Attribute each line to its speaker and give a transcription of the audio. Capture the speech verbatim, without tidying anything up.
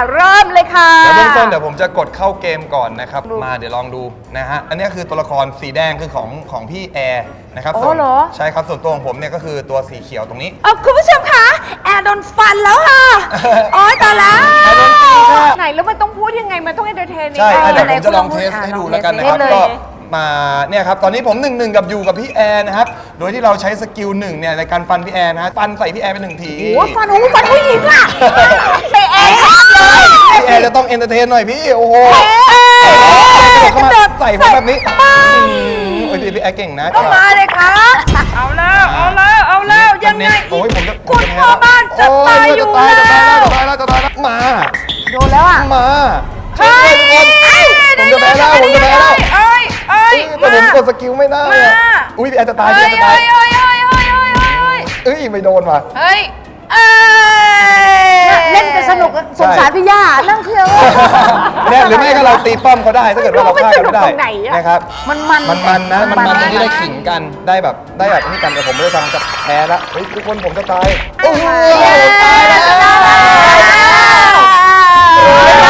Speaker 1: เริ่มเลยค่ะ
Speaker 2: แล้วเบื้องต้นเดี๋ยวผมจะกดเข้าเกมก่อนนะครับมาเดี๋ยวลองดูนะฮะอันนี้คือตัวละครสีแดงคือของของพี่แอร์นะครับส่วนใช่ครับส่วนตัวของผมเนี่ยก็คือตัวสีเขียวตรงนี้
Speaker 1: เออคุณผู้ชมคะแอร์โดนฟันแล้วค่ะโอ๊ยตายแล้วไหนแล้วมันต้องพูดยังไงมันต้องเอนเตอร์เทน
Speaker 2: ใช่เดี๋ยวผมจะลองเทสให้ดูแล้วกันนะครับก็มาเนี่ยครับตอนนี้ผมหนึ่งหนึ่งกับอยู่กับพี่แอร์นะครับโดยที่เราใช้สกิลหนึ่งเนี่ยในการฟันพี่แอร์นะฟันใส่พี่แอร์ไปหนึ่งที
Speaker 1: โอ้ฟันโอ้ฟันผู้หญิงอ่ะไปแอร์เลย
Speaker 2: พี่แอร์จะต้องเอนเตอร์เทนหน่อยพี่โอ้โหเข้ามาใส่ผมแบบนี้โอ้ยพี่แอร์เก่งนะ
Speaker 1: ก็มาเลยค่ะเอาแล้วเอาแล้วเอาแล้วยังไงคุณพ่อบ้านจะตายอยู่แล้ว
Speaker 2: จะตายแล้วจะตายแล้วจะตายแล้วมา
Speaker 1: โดนแล้วอ่ะ
Speaker 2: มาใช่ทุกคนผมจะแพ้แล้วผมจะแพ้แล้ว
Speaker 1: เอ้ยเอ้ย
Speaker 2: แต่ผมกดสกิลไม่ได้อุ้ยพี่แอร์จะตายพี่แอร์จะตาย
Speaker 1: เอ้ยเอ้ยเอ้ยเอ้ยเอ้ย
Speaker 2: เอ้ยไม่โดนว่ะ
Speaker 1: เฮ้ยเล่นจะสนุกสงสารพี่ย่านั่งเที่ยว
Speaker 2: เนี่ยหรือไม่ก็เราตีป้อมเขาได้ถ้าเกิดว่าเราฆ่าเขาไม่ได้นะครับ
Speaker 1: มันมัน
Speaker 2: มันมันนะมันมันตรงที่ได้ขิงกันได้แบบได้แบบนี่กันแต่ผมไม่ได้ทำกับแพ้แล้วเฮ้ยทุกคนผมจะตายโอ้โหตายแล้ว